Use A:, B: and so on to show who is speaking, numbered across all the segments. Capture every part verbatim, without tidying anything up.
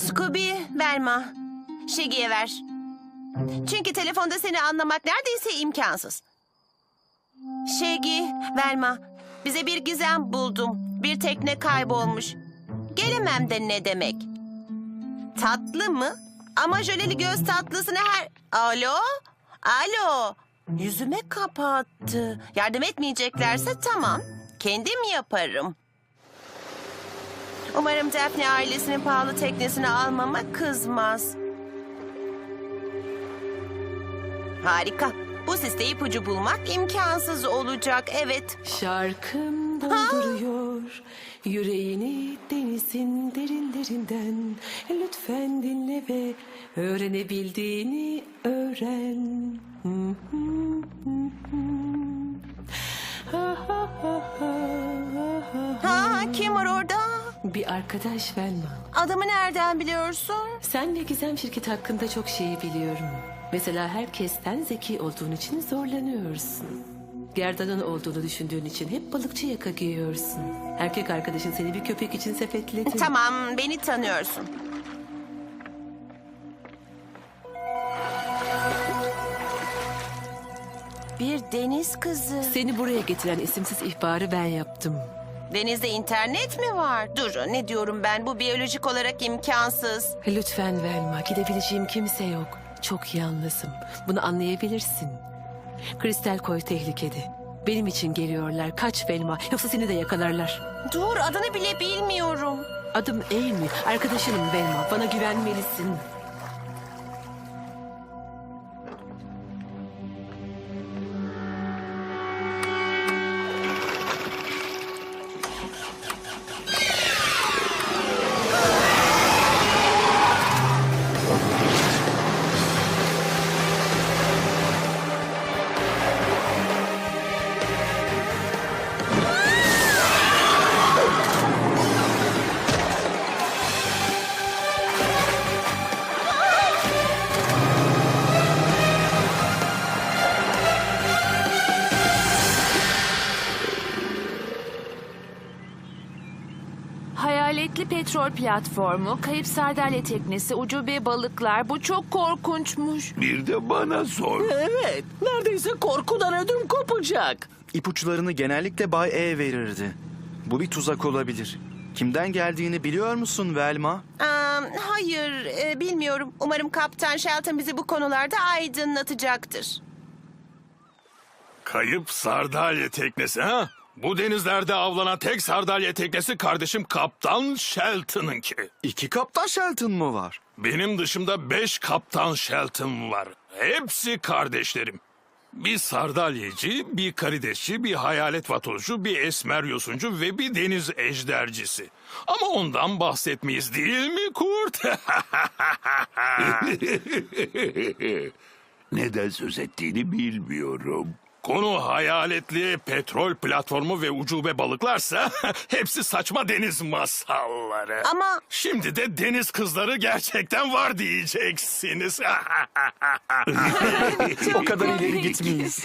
A: Scooby, Velma. Shaggy'ye ver. Çünkü telefonda seni anlamak neredeyse imkansız. Shaggy, Velma, bize bir gizem buldum. Bir tekne kaybolmuş. Gelemem de ne demek? Tatlı mı? Ama jöleli göz tatlısını her... Alo? Alo? Yüzüme kapattı. Yardım etmeyeceklerse tamam. Kendim yaparım. Umarım Daphne ailesinin pahalı teknesini almama kızmaz. Harika. Bu siste ipucu bulmak imkansız olacak, evet.
B: Şarkım dolduruyor yüreğini denizin derinlerinden. Lütfen dinle ve öğrenebildiğini öğren.
A: Ha, kim var orada?
B: Bir arkadaş Velma.
A: Adamı nereden biliyorsun?
B: Sen ve Gizem şirketi hakkında çok şey biliyorum. Mesela herkesten zeki olduğun için zorlanıyorsun. Gerdanın olduğunu düşündüğün için hep balıkçı yaka giyiyorsun. Erkek arkadaşın seni bir köpek için sepetledi.
A: Tamam, beni tanıyorsun. Bir deniz kızı.
B: Seni buraya getiren isimsiz ihbarı ben yaptım.
A: Denizde internet mi var? Dur, ne diyorum ben? Bu biyolojik olarak imkansız.
B: Lütfen Velma, gidebileceğim kimse yok. Çok yalnızım. Bunu anlayabilirsin. Kristal Koy tehlikede. Benim için geliyorlar. Kaç Velma, yoksa seni de yakalarlar.
A: Dur, adını bile bilmiyorum.
B: Adım Amy, arkadaşınım Velma. Bana güvenmelisin.
C: Hayaletli petrol platformu, kayıp sardalya teknesi, ucube balıklar. Bu çok korkunçmuş.
D: Bir de bana sor.
E: Evet, neredeyse korkudan ödüm kopacak.
F: İpuçlarını genellikle Bay E verirdi. Bu bir tuzak olabilir. Kimden geldiğini biliyor musun Velma?
A: Aa, hayır, e, bilmiyorum. Umarım Kaptan Shelton bizi bu konularda aydınlatacaktır.
D: Kayıp sardalya teknesi ha? Bu denizlerde avlanan tek sardalya teknesi kardeşim Kaptan Shelton'ınki.
F: İki Kaptan Shelton mı var?
D: Benim dışımda beş Kaptan Shelton var. Hepsi kardeşlerim. Bir sardalyeci, bir karidesçi, bir hayalet vatozu, bir esmer yosuncu ve bir deniz ejdercisi. Ama ondan bahsetmeyiz değil mi kurt?
G: Neden söz ettiğini bilmiyorum.
D: Konu hayaletli petrol platformu ve ucube balıklarsa hepsi saçma deniz masalları.
A: Ama
D: Şimdi de deniz kızları gerçekten var diyeceksiniz.
F: O kadar ileri gitmeyiz.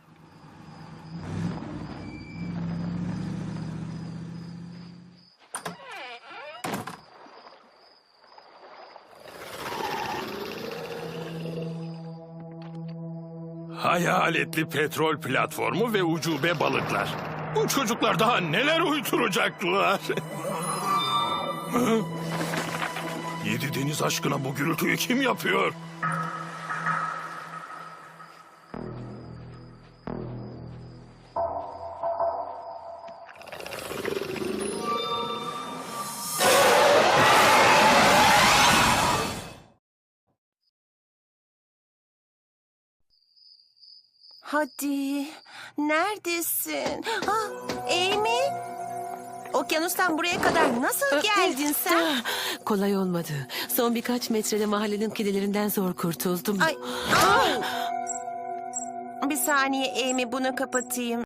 D: Hayaletli petrol platformu ve ucube balıklar. Bu çocuklar daha neler uyduracaklar? Hı? Yedi deniz aşkına bu gürültüyü kim yapıyor?
A: hadi, neredesin? Ha, Amy? Okyanustan buraya kadar nasıl geldin sen?
B: Kolay olmadı. Son birkaç metrede mahallenin kedilerinden zor kurtuldum.
A: Ay, ay. Bir saniye Amy, bunu kapatayım.